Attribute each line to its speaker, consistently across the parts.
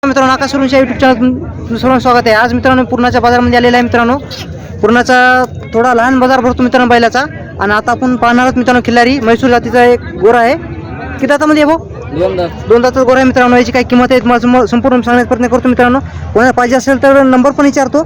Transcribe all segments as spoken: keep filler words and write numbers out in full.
Speaker 1: मित्रांनो, आकाश सुरुंच्या YouTube channel तुमचं सर्वांचं स्वागत आहे. आज मित्रांनो पूर्णाच्या बाजारामध्ये आलेला आहे. मित्रांनो पूर्णाचा थोडा लहान बाजार भरतो मित्रांनो बैलाचा. आणि आता आपण पाहणार आहोत मित्रांनो खिल्लारी म्हैसूर जातीचा एक गोरा आहे. किती दातामध्ये आहे भाऊ?
Speaker 2: दोन दात.
Speaker 1: दोन दाताचा गोरा आहे मित्रांनो. याची काय किंमत आहे तुम्हाला संपूर्ण सांगण्याचा प्रयत्न करतो मित्रांनो. कोणाला पाहिजे असेल तर नंबर पण विचारतो.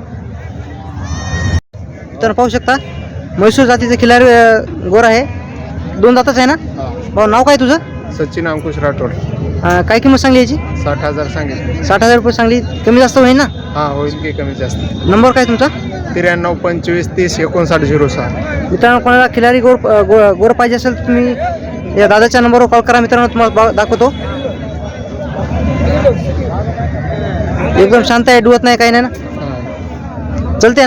Speaker 1: तर पाहू शकता म्हैसूर जातीचा खिल्लारी अं, गोरा आहे. दोन दाताच आहे ना भाऊ? नाव काय तुझं?
Speaker 3: सचिन अंकुश राठोड.
Speaker 1: अं, काय किंमत सांगली याची?
Speaker 3: साठ हजार सांगितले.
Speaker 1: साठ हजार रुपये सांगली. कमी जास्त होईल ना?
Speaker 3: हा होईल की कमी जास्त.
Speaker 1: नंबर काय तुमचा?
Speaker 3: त्र्याण्णव पंचवीस तीस एकोणसाठ झिरो सहा.
Speaker 1: मित्रांनो कोणाला खिलारी गोर गो गोर पाहिजे असेल तर तुम्ही या दादाच्या नंबरवर कॉल करा मित्रांनो. तुम्हाला बा- दाखवतो. एकदम शांत आहे, डुवत नाही, काही नाही ना, चलते ना?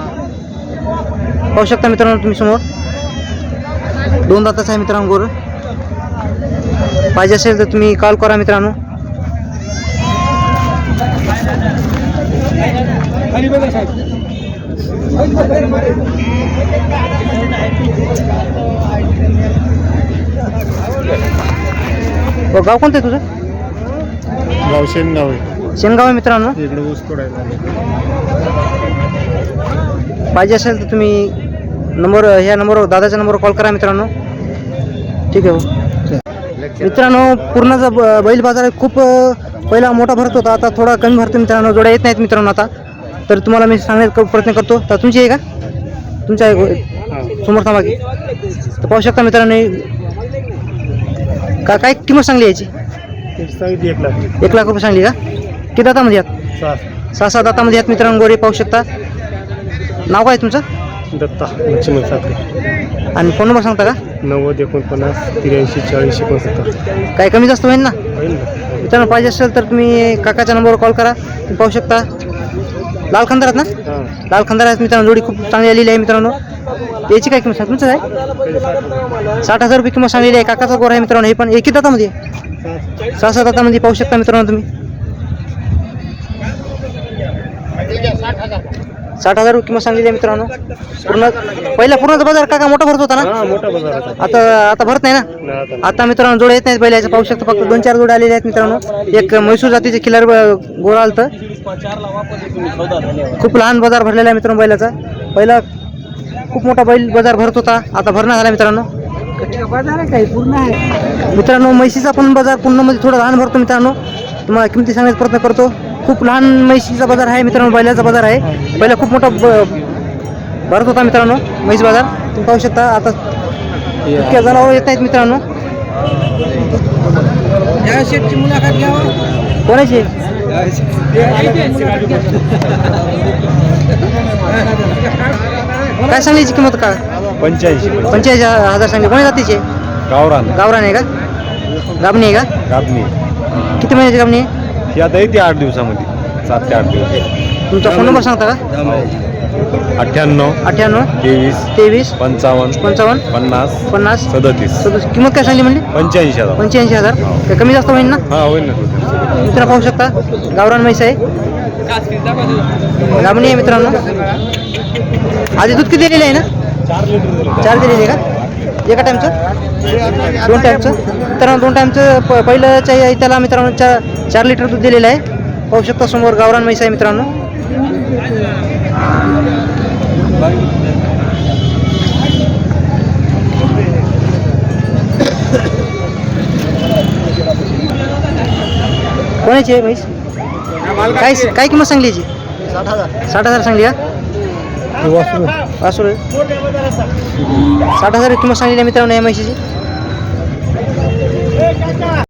Speaker 1: पाहू शकता मित्रांनो तुम्ही समोर दोन दाताचा आहे मित्रांनो गोर. पाहिजे असेल तर तुम्ही कॉल करा मित्रांनो. हो, गाव कोणतं आहे तुझं?
Speaker 3: गाव शेनगाव आहे.
Speaker 1: शेनगाव आहे मित्रांनो.
Speaker 3: इकडे ऊस तोडायला.
Speaker 1: पाहिजे असेल तर तुम्ही नंबर ह्या नंबरवर दादाच्या नंबरवर कॉल करा मित्रांनो. ठीक आहे हो. मित्रांनो पूर्णाचा ब- बैल बाजार खूप अ, पहिला मोठा भरत होता, आता थोडा कमी भरतो मित्रांनो. जोड्या येत नाहीत मित्रांनो आता. तर तुम्हाला मी सांगण्याचा प्रयत्न करतो. तर तुमची आहे का? तुमच्या आहे समोर थांबा की. तर पाहू शकता मित्रांनो का काय किंमत सांगली याची?
Speaker 3: एक लाख.
Speaker 1: एक लाख रुपये सांगली का? किती दातामध्ये आहेत? सहा सात दातामध्ये आहेत मित्रांनो गोरे. पाहू शकता. नाव काय तुमचं?
Speaker 3: दत्ता लक्ष्मण साखरे.
Speaker 1: आणि फोन नंबर सांगता का?
Speaker 3: नव्वद एकोणपन्नास त्र्याऐंशी चाळीस एकोणसत्तर.
Speaker 1: काय कमी जास्त होईल ना
Speaker 3: होईल ना?
Speaker 1: मित्रांनो? पाहिजे असेल तर तुम्ही काकाच्या नंबरवर कॉल करा. तुम्ही पाहू शकता लाल खंदारात ना?
Speaker 3: हां.
Speaker 1: लाल खंदार आहेत मित्रांनो. जोडी खूप चांगली आलेली आहे मित्रांनो. याची काय किंमत तुमचं आहे? साठ हजार रुपये किंमत सांगलेली आहे. काकाचा गोर आहे मित्रांनो. हे पण एकी दातामध्ये सहा सात दातामध्ये. पाहू शकता मित्रांनो तुम्ही. साठ हजार रुपये किंमत सांगलेली आहे मित्रांनो. पूर्ण पहिला पूर्णचा बाजार काका मोठा भरत होता ना?
Speaker 3: हा मोठा बाजार होता.
Speaker 1: आता आता भरत नाही ना?
Speaker 3: नाही आता.
Speaker 1: आता मित्रांनो जोड्या येत नाहीत बैलाच्या. पाहू शकता फक्त दोन चार जोड्या आलेल्या आहेत मित्रांनो. एक म्हैसूर जातीचे खिलार गोरा आलतं. खूप लहान बाजार भरलेला आहे मित्रांनो बैलाचा. पहिला खूप मोठा बैल बाजार भरत होता, आता भरणा झाला मित्रांनो. बाजार आहे काही पूर्ण आहे मित्रांनो. म्हैशीचा पण बाजार पूर्णमध्ये थोडा लहान भरतो मित्रांनो. तुम्हाला किमती सांगण्याचा प्रयत्न करतो. खूप लहान म्हैशीचा बाजार आहे मित्रांनो. बैलाचा बाजार आहे. पहिला खूप मोठा ब- भरत होता मित्रांनो म्हैस बाजार. तुम्ही पाहू शकता आता इतक्या जनावर येत नाहीत मित्रांनो. मुलाखत घ्या. कोणाची? काय सांगलीची किंमत का?
Speaker 3: पंच्याऐंशी.
Speaker 1: पंचेचाळीस हजार सांगली. कोणी जातीचे?
Speaker 3: गावरान.
Speaker 1: गावरान आहे का? गाबणी आहे का?
Speaker 3: गाबणी.
Speaker 1: किती महिन्याची गाबणी आहे?
Speaker 3: ही आता येते आठ दिवसामध्ये. सात ते आठ दिवस.
Speaker 1: तुमचा फोन नंबर सांगता का?
Speaker 3: अठ्ठ्याण्णव
Speaker 1: अठ्ठ्याण्णव
Speaker 3: तेवीस
Speaker 1: तेवीस
Speaker 3: पंचावन्न
Speaker 1: पंचावन्न
Speaker 3: पन्नास
Speaker 1: पन्नास
Speaker 3: सदतीस.
Speaker 1: सदतीस. किंमत काय सांगली म्हणली?
Speaker 3: पंच्याऐंशी हजार.
Speaker 1: पंच्याऐंशी हजार. काय कमी जास्त होईल ना?
Speaker 3: हा होईल ना.
Speaker 1: मित्र पाहू शकता गावरान म्हैस आहे. गाबणी आहे मित्रांनो. आधी दूध किती दिलेलं आहे ना? चार दिलेली आहे का? एका टाईमचं? दोन टाईमचं मित्रांनो. दोन टाईमचं प पहिलंच आहे त्याला मित्रांनो. चार चार लिटर दूध दिलेलं आहे. पाहू शकता समोर गावरान म्हैस आहे मित्रांनो. कोणाची आहे म्हैस? काय काय किंमत सांगली याची? साठ हजार. साठ हजार सांगली का? वासरू आहे. साठ हजार किंमत सांगलेली आहे मित्रांनो या म्हशीची.